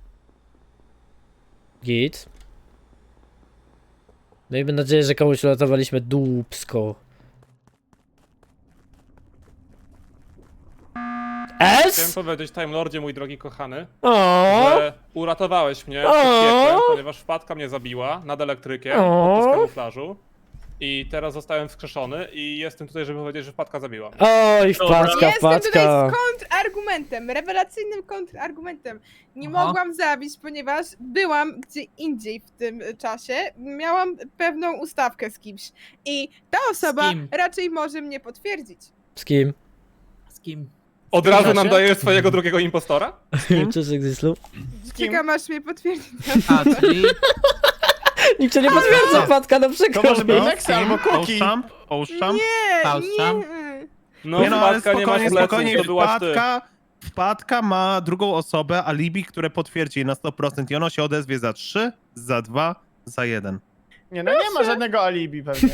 [SPEAKER 2] Git. Miejmy nadzieję, że komuś uratowaliśmy dupsko.
[SPEAKER 3] Chciałem
[SPEAKER 2] S?
[SPEAKER 3] powiedzieć, Time Lordzie, mój drogi kochany,
[SPEAKER 2] O!
[SPEAKER 3] że uratowałeś mnie
[SPEAKER 2] O!
[SPEAKER 3] przed piekłem, ponieważ wpadka mnie zabiła nad elektrykiem
[SPEAKER 2] O!
[SPEAKER 3] podczas kamuflażu. I teraz zostałem wskrzeszony i jestem tutaj, żeby powiedzieć, że wpadka zabiła.
[SPEAKER 2] Oj, wpadka,
[SPEAKER 8] Jestem tutaj
[SPEAKER 2] wpadka.
[SPEAKER 8] z kontrargumentem, rewelacyjnym kontrargumentem. Nie
[SPEAKER 7] Aha.
[SPEAKER 8] mogłam zabić, ponieważ byłam gdzie indziej w tym czasie. Miałam pewną ustawkę z kimś. I ta osoba
[SPEAKER 7] kim?
[SPEAKER 8] raczej może mnie potwierdzić.
[SPEAKER 2] Z kim?
[SPEAKER 7] Z kim?
[SPEAKER 3] Od razu nam
[SPEAKER 4] czasie?
[SPEAKER 3] dajesz swojego drugiego impostora?
[SPEAKER 2] Cześć, Exislu.
[SPEAKER 8] Czekam aż mnie potwierdzi.
[SPEAKER 7] A, czyli...
[SPEAKER 2] Nikt cię nie potwierdza, wpadka, no
[SPEAKER 4] To
[SPEAKER 2] przykro
[SPEAKER 4] może
[SPEAKER 2] mi.
[SPEAKER 4] być Nexa albo Kuki.
[SPEAKER 5] Oszczam?
[SPEAKER 8] Nie,
[SPEAKER 7] Faustam?
[SPEAKER 8] nie.
[SPEAKER 3] No,
[SPEAKER 5] Nie no, ale
[SPEAKER 3] wpadka nie masz
[SPEAKER 5] spokojnie,
[SPEAKER 3] pleców,
[SPEAKER 5] spokojnie,
[SPEAKER 3] to byłaś ty.
[SPEAKER 5] wpadka ma drugą osobę, alibi, które potwierdzi jej na 100% i ono się odezwie za 3, za 2, za 1.
[SPEAKER 4] Nie, no nie ma żadnego alibi pewnie.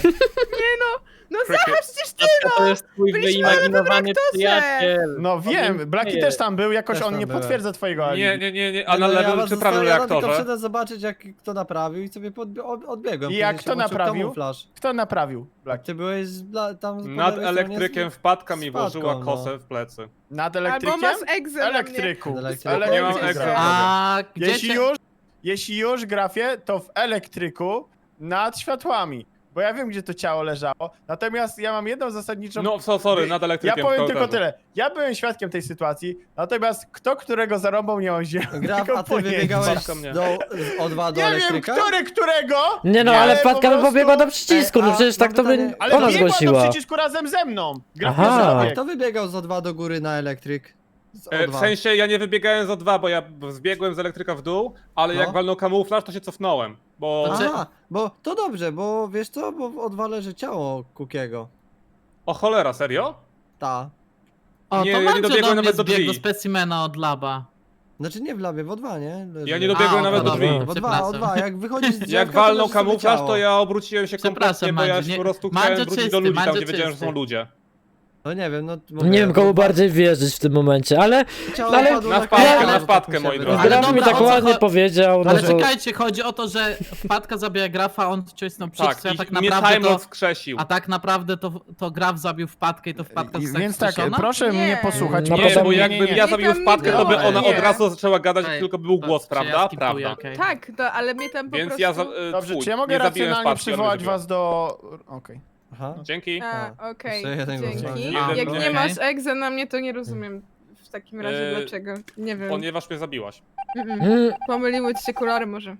[SPEAKER 8] No
[SPEAKER 3] Cricket.
[SPEAKER 8] Zacha, przecież ty
[SPEAKER 7] To jest twój
[SPEAKER 8] Byliśmy
[SPEAKER 7] wyimaginowany
[SPEAKER 8] aktorze.
[SPEAKER 7] przyjaciel.
[SPEAKER 4] No wiem, Blaki też tam był, jakoś
[SPEAKER 1] Też
[SPEAKER 4] on
[SPEAKER 1] tam
[SPEAKER 4] nie
[SPEAKER 1] byłem.
[SPEAKER 4] potwierdza twojego alibi.
[SPEAKER 3] Nie, a na lewym czy prawym
[SPEAKER 1] Ja tylko
[SPEAKER 3] reaktorze?
[SPEAKER 1] przyszedłem zobaczyć, jak kto naprawił i sobie odbiegłem.
[SPEAKER 4] I jak
[SPEAKER 1] Później
[SPEAKER 4] kto
[SPEAKER 1] się włączył
[SPEAKER 4] naprawił?
[SPEAKER 1] kamuflaż.
[SPEAKER 4] Kto naprawił Blaki?
[SPEAKER 1] Ty byłeś tam po
[SPEAKER 3] Nad
[SPEAKER 1] lewej stronie
[SPEAKER 3] elektrykiem wpadka mi
[SPEAKER 1] wpadką,
[SPEAKER 3] włożyła
[SPEAKER 1] no.
[SPEAKER 3] kosę w plecy.
[SPEAKER 4] Nad
[SPEAKER 8] albo
[SPEAKER 4] elektrykiem?
[SPEAKER 8] masz egzę na mnie.
[SPEAKER 4] Elektryku.
[SPEAKER 1] Nad
[SPEAKER 4] W
[SPEAKER 1] elektrykiem.
[SPEAKER 3] Nie mam
[SPEAKER 4] elektryku.
[SPEAKER 3] egzę.
[SPEAKER 7] A gdzie
[SPEAKER 4] Jeśli
[SPEAKER 7] cię...
[SPEAKER 4] jeśli już grafie, to w elektryku nad światłami. Bo ja wiem, gdzie to ciało leżało. Natomiast ja mam jedną zasadniczą...
[SPEAKER 3] No, sorry, nad
[SPEAKER 4] Ja
[SPEAKER 3] elektrykiem
[SPEAKER 4] powiem
[SPEAKER 3] w
[SPEAKER 4] tylko
[SPEAKER 3] korytarzu.
[SPEAKER 4] tyle. Ja byłem świadkiem tej sytuacji, natomiast kto którego zarąbał, nie mam
[SPEAKER 1] Graf,
[SPEAKER 4] zielonego
[SPEAKER 1] a ty
[SPEAKER 4] pojęcia.
[SPEAKER 1] wybiegałeś
[SPEAKER 3] Wpadka mnie.
[SPEAKER 1] z O2 do
[SPEAKER 4] Nie wiem,
[SPEAKER 1] elektryka?
[SPEAKER 4] którego!
[SPEAKER 2] Nie no,
[SPEAKER 4] Nie,
[SPEAKER 2] ale
[SPEAKER 4] po
[SPEAKER 2] wpadka by
[SPEAKER 4] prostu-
[SPEAKER 2] pobiegła do przycisku, no
[SPEAKER 1] Ej, a
[SPEAKER 2] przecież tak
[SPEAKER 1] mam
[SPEAKER 2] to by
[SPEAKER 1] pytanie.
[SPEAKER 4] Ale
[SPEAKER 2] ona
[SPEAKER 4] biegła do
[SPEAKER 2] zgłosiła.
[SPEAKER 4] przycisku razem ze mną. Graf
[SPEAKER 2] Aha.
[SPEAKER 4] nie
[SPEAKER 1] A
[SPEAKER 4] zabiegł.
[SPEAKER 1] kto wybiegał z O2 do góry na elektryk? Z
[SPEAKER 3] W
[SPEAKER 1] O2.
[SPEAKER 3] sensie ja nie wybiegałem z O2, bo ja zbiegłem z elektryka w dół, ale
[SPEAKER 1] No.
[SPEAKER 3] jak walnął kamuflaż, to się cofnąłem, bo...
[SPEAKER 7] To czy-
[SPEAKER 1] Aha, bo to dobrze, bo wiesz co, bo w O2 leży ciało Kukiego.
[SPEAKER 3] O cholera, serio?
[SPEAKER 1] Ta.
[SPEAKER 7] O,
[SPEAKER 3] Nie,
[SPEAKER 7] to
[SPEAKER 3] ja nie
[SPEAKER 7] Mandzio
[SPEAKER 3] dobiegłem
[SPEAKER 7] do mnie
[SPEAKER 3] nawet do
[SPEAKER 7] zbiegł do
[SPEAKER 3] drzwi.
[SPEAKER 7] specimena od laba.
[SPEAKER 1] Znaczy nie w labie, w O2, nie? Leży.
[SPEAKER 3] Ja nie dobiegłem
[SPEAKER 7] A,
[SPEAKER 3] nawet do
[SPEAKER 7] dobra,
[SPEAKER 3] drzwi.
[SPEAKER 7] dobra.
[SPEAKER 1] W O2,
[SPEAKER 7] Przepraszam.
[SPEAKER 1] O2, jak wychodzisz z drzewka,
[SPEAKER 3] Jak
[SPEAKER 1] to
[SPEAKER 3] walnął
[SPEAKER 1] leży sobie
[SPEAKER 3] kamuflaż,
[SPEAKER 1] ciało.
[SPEAKER 3] to ja obróciłem się
[SPEAKER 7] Przepraszam,
[SPEAKER 3] kompletnie, bo ja
[SPEAKER 7] Mandzio,
[SPEAKER 3] już
[SPEAKER 7] nie-
[SPEAKER 3] po prostu
[SPEAKER 7] Mandzio
[SPEAKER 3] chciałem wrócić
[SPEAKER 7] czysty,
[SPEAKER 3] do ludzi tam,
[SPEAKER 7] Mandzio
[SPEAKER 3] gdzie wiedziałem, że są
[SPEAKER 7] czysty.
[SPEAKER 3] ludzie.
[SPEAKER 1] No nie wiem, no...
[SPEAKER 2] Nie wiem komu bardziej wierzyć w tym momencie, ale
[SPEAKER 1] Ciało
[SPEAKER 2] ale-
[SPEAKER 1] padło
[SPEAKER 3] na
[SPEAKER 1] na
[SPEAKER 3] wpadkę,
[SPEAKER 1] kamień,
[SPEAKER 3] na
[SPEAKER 1] to
[SPEAKER 3] wpadkę,
[SPEAKER 1] mi się
[SPEAKER 3] moi
[SPEAKER 1] wydaje.
[SPEAKER 3] drodzy.
[SPEAKER 2] Graf mi
[SPEAKER 7] dobra,
[SPEAKER 2] tak
[SPEAKER 7] o co
[SPEAKER 2] ładnie
[SPEAKER 7] cho-
[SPEAKER 2] powiedział, no
[SPEAKER 7] Ale
[SPEAKER 2] to...
[SPEAKER 7] czekajcie, chodzi o to, że wpadka zabija grafa, on wcisnął przycisk,
[SPEAKER 3] Tak,
[SPEAKER 7] a tak
[SPEAKER 3] i mnie
[SPEAKER 7] naprawdę
[SPEAKER 3] Time
[SPEAKER 7] to...
[SPEAKER 3] Lord skrzesił.
[SPEAKER 7] A tak naprawdę to graf zabił wpadkę i to wpadka została
[SPEAKER 4] Więc tak,
[SPEAKER 7] wskrzeszona?
[SPEAKER 4] proszę
[SPEAKER 8] Nie.
[SPEAKER 4] mnie posłuchać.
[SPEAKER 2] No
[SPEAKER 3] Nie,
[SPEAKER 2] potem-
[SPEAKER 3] bo jakbym ja
[SPEAKER 8] Nie,
[SPEAKER 3] zabił
[SPEAKER 8] tam
[SPEAKER 3] wpadkę,
[SPEAKER 8] nie
[SPEAKER 3] to by
[SPEAKER 8] było,
[SPEAKER 3] ona
[SPEAKER 8] nie.
[SPEAKER 3] od razu zaczęła gadać,
[SPEAKER 7] Ej,
[SPEAKER 3] tylko był głos,
[SPEAKER 7] to- czy ja
[SPEAKER 3] prawda?
[SPEAKER 7] skipuję,
[SPEAKER 3] Prawda.
[SPEAKER 7] okej.
[SPEAKER 8] Tak, to, ale mnie tam po
[SPEAKER 3] Więc
[SPEAKER 8] prostu...
[SPEAKER 3] ja za,
[SPEAKER 4] Dobrze,
[SPEAKER 3] twój,
[SPEAKER 4] czy ja mogę
[SPEAKER 3] nie zabiłem
[SPEAKER 4] racjonalnie
[SPEAKER 3] wpadki, ale
[SPEAKER 4] przywołać
[SPEAKER 3] zabiłem.
[SPEAKER 4] was do... Okej.
[SPEAKER 1] Aha.
[SPEAKER 3] Dzięki.
[SPEAKER 8] Okej,
[SPEAKER 1] Jeszcze jeden głos
[SPEAKER 8] dzięki.
[SPEAKER 1] będzie.
[SPEAKER 8] Jak
[SPEAKER 3] Jeden
[SPEAKER 8] nie
[SPEAKER 7] głos.
[SPEAKER 8] masz egzę na mnie, to nie rozumiem w takim razie
[SPEAKER 3] Eee,
[SPEAKER 8] dlaczego. Nie wiem.
[SPEAKER 3] Ponieważ mnie zabiłaś.
[SPEAKER 2] Mm,
[SPEAKER 8] Pomyliły ci się kolory może.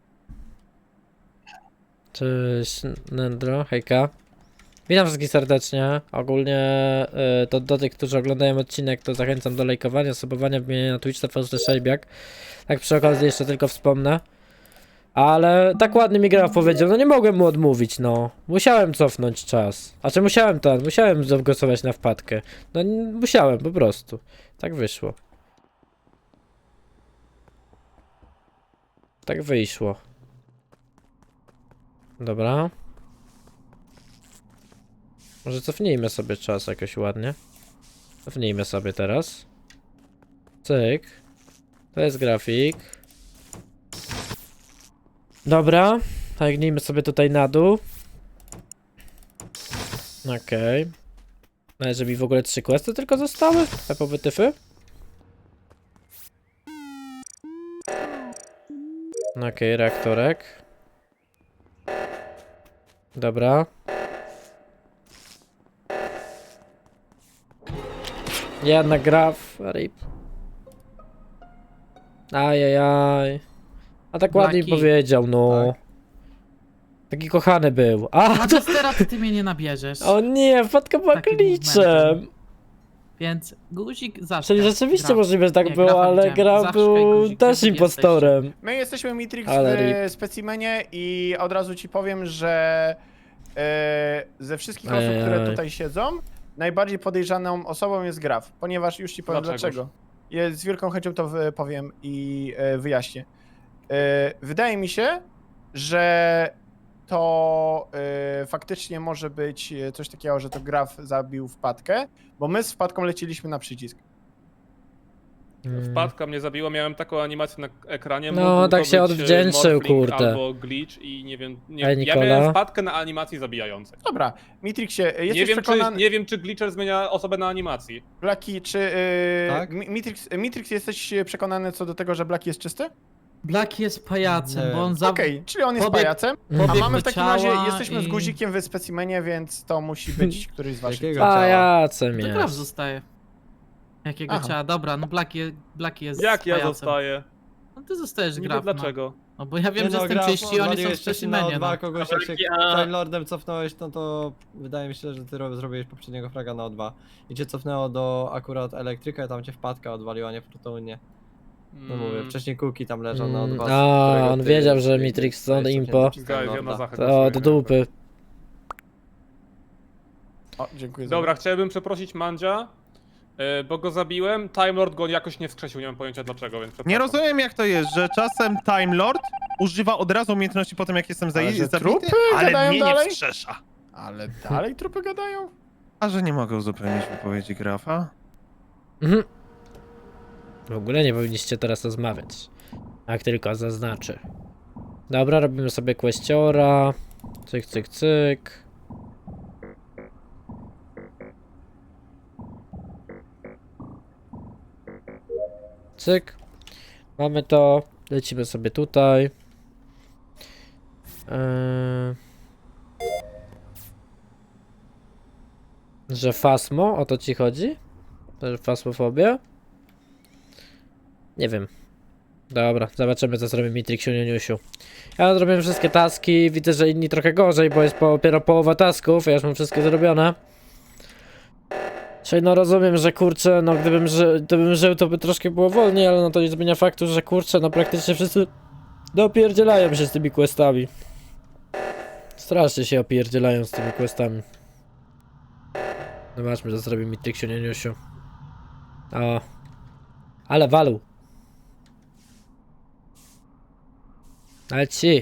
[SPEAKER 2] Cześć Nendro, hejka. Witam wszystkich serdecznie. Ogólnie to do tych, którzy oglądają odcinek, to zachęcam do lajkowania, subowania, wbijania na Twitch TV Szejbiak. Tak przy okazji jeszcze tylko wspomnę, Ale tak ładnie mi Graf powiedział, no nie mogłem mu odmówić, no. Musiałem cofnąć czas. A czy musiałem zagłosować na wpadkę. No musiałem, po prostu. Tak wyszło. Tak wyszło. Dobra. Może cofnijmy sobie czas jakoś ładnie. Cofnijmy sobie teraz. Cyk. To jest grafik. Dobra. Tagnijmy sobie tutaj na dół. Okej. No, że mi w ogóle 3 questy tylko zostały? Pepowe tyfy? Okej, reaktorek. Dobra. Jednak Graf, rip. Ajajaj. A tak ładnie mi
[SPEAKER 10] Blaki.
[SPEAKER 2] powiedział, no.
[SPEAKER 1] Tak.
[SPEAKER 2] Taki kochany był. A,
[SPEAKER 10] A
[SPEAKER 2] to...
[SPEAKER 10] teraz ty mnie nie nabierzesz.
[SPEAKER 2] O nie, wpadka była
[SPEAKER 10] Takim
[SPEAKER 2] glitchem.
[SPEAKER 10] momentem. Więc guzik zawsze.
[SPEAKER 2] Czyli rzeczywiście
[SPEAKER 10] Graf.
[SPEAKER 2] możliwe, że tak
[SPEAKER 10] Nie,
[SPEAKER 2] było,
[SPEAKER 10] Grafa
[SPEAKER 2] ale
[SPEAKER 10] widziałem.
[SPEAKER 2] Graf
[SPEAKER 10] Zawsze
[SPEAKER 2] był
[SPEAKER 10] guzik,
[SPEAKER 2] też
[SPEAKER 10] gdzie wy
[SPEAKER 2] impostorem.
[SPEAKER 4] My jesteśmy Mitrix
[SPEAKER 2] Ale
[SPEAKER 4] w specimenie i od razu ci powiem, że ze wszystkich osób,
[SPEAKER 2] Ajajaj.
[SPEAKER 4] które tutaj siedzą, najbardziej podejrzaną osobą jest Graf, ponieważ już ci powiem
[SPEAKER 3] Dlaczegoż?
[SPEAKER 4] dlaczego. Ja z wielką chęcią to powiem i wyjaśnię. Wydaje mi się, że to faktycznie może być coś takiego, że to Graf zabił wpadkę, bo my z wpadką leciliśmy na przycisk.
[SPEAKER 3] Wpadka mnie zabiła, miałem taką animację na ekranie.
[SPEAKER 2] No,
[SPEAKER 3] mógł
[SPEAKER 2] tak
[SPEAKER 3] to
[SPEAKER 2] się
[SPEAKER 3] być,
[SPEAKER 2] odwdzięczył,
[SPEAKER 3] morphling
[SPEAKER 2] kurde.
[SPEAKER 3] Albo glitch i nie wiem. Nie,
[SPEAKER 2] Ej,
[SPEAKER 3] ja
[SPEAKER 2] Nikola?
[SPEAKER 3] miałem wpadkę na animacji zabijającej.
[SPEAKER 4] Dobra, Mitrixie, jesteś
[SPEAKER 3] Nie wiem,
[SPEAKER 4] przekonany...
[SPEAKER 3] nie wiem, czy glitcher zmienia osobę na animacji.
[SPEAKER 4] Blaki, czy
[SPEAKER 1] Tak?
[SPEAKER 4] Mitrix jesteś przekonany co do tego, że Blaki jest czysty?
[SPEAKER 10] Black jest pajacem,
[SPEAKER 1] Nie.
[SPEAKER 10] bo on
[SPEAKER 4] Okej, czyli on jest
[SPEAKER 10] pobiegł-
[SPEAKER 4] pajacem, a
[SPEAKER 10] pobiegł
[SPEAKER 4] mamy
[SPEAKER 10] do
[SPEAKER 4] w takim razie,
[SPEAKER 10] ciała
[SPEAKER 4] jesteśmy z
[SPEAKER 10] i-
[SPEAKER 4] guzikiem w specimenie, więc to musi być któryś z waszych.
[SPEAKER 1] Jakiego ciała?
[SPEAKER 2] Pajacem
[SPEAKER 10] To Graf
[SPEAKER 2] jest.
[SPEAKER 10] zostaje. Jakiego
[SPEAKER 4] Aha.
[SPEAKER 10] ciała? Dobra, no Blaki jest
[SPEAKER 3] Jak ja
[SPEAKER 10] pajacem.
[SPEAKER 3] zostaję?
[SPEAKER 10] No ty zostajesz
[SPEAKER 3] Niby
[SPEAKER 10] Graf.
[SPEAKER 3] dlaczego?
[SPEAKER 10] No bo ja wiem,
[SPEAKER 1] Nie
[SPEAKER 10] że
[SPEAKER 1] no,
[SPEAKER 10] jestem
[SPEAKER 1] Graf,
[SPEAKER 10] czyści, oni są w
[SPEAKER 1] odwaliłeś wcześniej na
[SPEAKER 10] specimenie.
[SPEAKER 1] O2
[SPEAKER 10] No.
[SPEAKER 1] kogoś, jak się
[SPEAKER 7] A-
[SPEAKER 1] Time Lordem cofnąłeś, no to wydaje mi się, że ty zrobiłeś poprzedniego fraga na O2. I cię cofnęło do akurat elektryka i tam cię wpadka odwaliła, nie fortunnie. No mówię, wcześniej Kuki tam leżał na O2. z
[SPEAKER 2] A,
[SPEAKER 1] którego
[SPEAKER 2] on
[SPEAKER 1] ty-
[SPEAKER 2] wiedział, że
[SPEAKER 1] ty-
[SPEAKER 2] Mitrix
[SPEAKER 1] ty
[SPEAKER 2] to
[SPEAKER 1] jesteś
[SPEAKER 2] impo.
[SPEAKER 1] cofnięty przez Time
[SPEAKER 3] Guys, ja na
[SPEAKER 1] Lorda.
[SPEAKER 3] Zachę
[SPEAKER 2] To
[SPEAKER 3] głosuję.
[SPEAKER 2] do dupy.
[SPEAKER 4] O, dziękuję
[SPEAKER 3] Dobra, chciałbym przeprosić Mandzia, bo go zabiłem. Time Lord go jakoś nie wskrzesił, nie mam pojęcia dlaczego, więc
[SPEAKER 5] Nie
[SPEAKER 3] przepraszam.
[SPEAKER 5] rozumiem jak to jest, że czasem Time Lord używa od razu umiejętności po tym jak jestem
[SPEAKER 4] Ale że
[SPEAKER 5] zabity,
[SPEAKER 4] trupy
[SPEAKER 5] ale
[SPEAKER 4] gadają
[SPEAKER 5] mnie
[SPEAKER 4] dalej?
[SPEAKER 5] nie wskrzesza.
[SPEAKER 4] Ale dalej trupy gadają?
[SPEAKER 5] A że nie mogę uzupełnić wypowiedzi Grafa?
[SPEAKER 2] Mhm. W ogóle nie powinniście teraz rozmawiać. Jak tylko zaznaczy. Dobra, robimy sobie questiora. Cyk, cyk, cyk. Cyk. Mamy to. Lecimy sobie tutaj. Że fasmo? O to ci chodzi? To, że fasmofobia? Nie wiem. Dobra, zobaczymy co zrobi Mitrixiu Niuniusiu. Ja zrobiłem wszystkie taski, widzę, że inni trochę gorzej, bo jest dopiero połowa tasków, ja już mam wszystkie zrobione. Czyli no rozumiem, że kurczę, no gdybym żył, to by troszkę było wolniej, ale no to nie zmienia faktu, że kurczę, no praktycznie wszyscy dopierdzielają się z tymi questami. Strasznie się opierdzielają z tymi questami. Zobaczmy, co zrobi Mitrixiu Niuniusiu. O. Ale walu. Ale ci.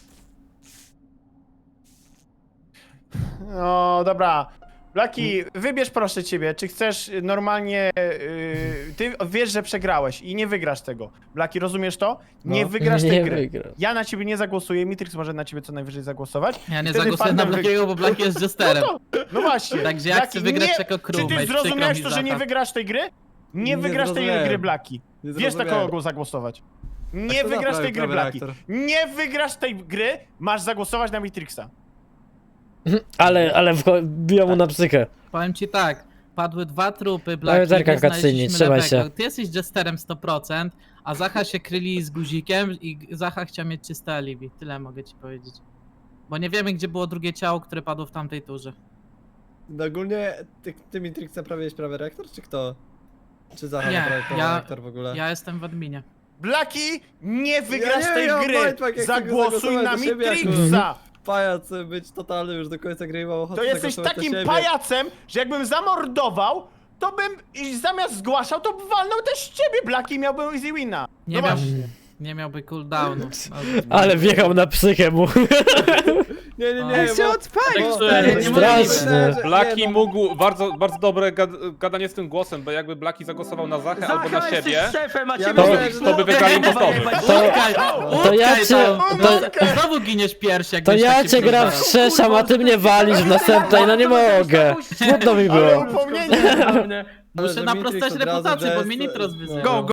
[SPEAKER 4] No dobra. Blaki, wybierz proszę ciebie, czy chcesz normalnie... ty wiesz, że przegrałeś i nie wygrasz tego. Blaki, rozumiesz to? Nie
[SPEAKER 1] No.
[SPEAKER 4] wygrasz tej
[SPEAKER 2] Nie
[SPEAKER 4] gry.
[SPEAKER 2] wygrasz.
[SPEAKER 4] Ja na ciebie nie zagłosuję, Mitrix może na ciebie co najwyżej zagłosować.
[SPEAKER 10] Ja nie
[SPEAKER 4] Wtedy
[SPEAKER 10] zagłosuję na
[SPEAKER 4] Phantom
[SPEAKER 10] Blackiego, bo Black jest jesterem.
[SPEAKER 4] No właśnie.
[SPEAKER 10] Także ja
[SPEAKER 4] Blaki,
[SPEAKER 10] chcę wygrać
[SPEAKER 4] nie-
[SPEAKER 10] jako
[SPEAKER 4] Czy
[SPEAKER 10] crewmate.
[SPEAKER 4] ty zrozumiałeś to, że nie
[SPEAKER 10] Zacha.
[SPEAKER 4] wygrasz tej gry? Nie
[SPEAKER 1] Nie
[SPEAKER 4] wygrasz tej
[SPEAKER 1] zrozumiałem.
[SPEAKER 4] gry, Blaki.
[SPEAKER 1] Nie
[SPEAKER 4] Wiesz na
[SPEAKER 1] zrozumiałem.
[SPEAKER 4] kogo zagłosować. Nie
[SPEAKER 1] A kto
[SPEAKER 4] wygrasz
[SPEAKER 1] naprawił
[SPEAKER 4] tej gry,
[SPEAKER 1] prawy
[SPEAKER 4] Blaki.
[SPEAKER 1] reaktor?
[SPEAKER 4] Nie wygrasz tej gry, masz zagłosować na Mitrixa.
[SPEAKER 2] Ale biją mu na psychę.
[SPEAKER 10] Powiem ci tak, padły 2 trupy, Blacki,
[SPEAKER 2] zerkam
[SPEAKER 10] my
[SPEAKER 2] cutscene,
[SPEAKER 10] znaleźliśmy
[SPEAKER 2] trzymaj
[SPEAKER 10] lewego.
[SPEAKER 2] się.
[SPEAKER 10] Ty jesteś jesterem 100%, a Zacha się kryli z guzikiem i Zacha chciał mieć czyste alibi. Tyle mogę ci powiedzieć. Bo nie wiemy, gdzie było drugie ciało, które padło w tamtej turze.
[SPEAKER 1] No ogólnie ty Mitrix naprawiłeś prawy reaktor, czy kto? Czy Zacha
[SPEAKER 10] Nie,
[SPEAKER 1] naprawił prawy
[SPEAKER 10] ja-
[SPEAKER 1] reaktor w ogóle?
[SPEAKER 10] Ja jestem w adminie.
[SPEAKER 4] Blaki, nie wygrasz tej
[SPEAKER 1] ja
[SPEAKER 4] gry!
[SPEAKER 1] Majtmak, jak
[SPEAKER 4] Zagłosuj
[SPEAKER 1] chcę
[SPEAKER 4] na
[SPEAKER 1] do siebie jako
[SPEAKER 4] Mitrixa!
[SPEAKER 1] pajac być totalny już do końca gry i mam ochotę
[SPEAKER 4] To jesteś
[SPEAKER 1] zagłosować na
[SPEAKER 4] takim
[SPEAKER 1] siebie.
[SPEAKER 4] pajacem, że jakbym zamordował, to bym i zamiast zgłaszał, to walnął też ciebie, Blaki, i miałbym easy wina.
[SPEAKER 10] Nie,
[SPEAKER 4] No
[SPEAKER 10] miał,
[SPEAKER 4] właśnie.
[SPEAKER 10] nie miałby cooldownu.
[SPEAKER 2] Ale wjechał na psychę mu.
[SPEAKER 1] Nie, nie,
[SPEAKER 10] On
[SPEAKER 1] nie,
[SPEAKER 8] Jak się
[SPEAKER 1] bo...
[SPEAKER 8] odpalił,
[SPEAKER 1] bo-
[SPEAKER 8] stary, nie
[SPEAKER 2] Straszne.
[SPEAKER 8] możliwe.
[SPEAKER 3] Blaki
[SPEAKER 1] Nie, no.
[SPEAKER 3] mógł, bardzo dobre gadanie z tym głosem, bo jakby Blaki zagłosował na Zachę albo na
[SPEAKER 6] Zacha,
[SPEAKER 3] siebie,
[SPEAKER 6] jesteś szefem, a
[SPEAKER 1] Ja
[SPEAKER 6] ciebie
[SPEAKER 1] myślę,
[SPEAKER 6] nie
[SPEAKER 1] że
[SPEAKER 3] to by wygrali impostorzy.
[SPEAKER 2] To ja cię...
[SPEAKER 10] Znowu giniesz pierwszy, jak
[SPEAKER 2] To
[SPEAKER 10] będziesz
[SPEAKER 2] ja
[SPEAKER 10] taki
[SPEAKER 2] cię gra
[SPEAKER 10] próbował.
[SPEAKER 2] wstrzeszam, a ty mnie walisz w następnej, no nie mogę. Smutno mi
[SPEAKER 4] Ale
[SPEAKER 2] było.
[SPEAKER 4] upomnienie.
[SPEAKER 6] Kurwa,
[SPEAKER 10] Muszę
[SPEAKER 1] że
[SPEAKER 10] na
[SPEAKER 1] Mitrix
[SPEAKER 10] prostość
[SPEAKER 1] od razu
[SPEAKER 10] reputację, bo
[SPEAKER 1] jest-
[SPEAKER 10] mnie Nitros
[SPEAKER 1] no.
[SPEAKER 10] wyzywał.
[SPEAKER 4] Go,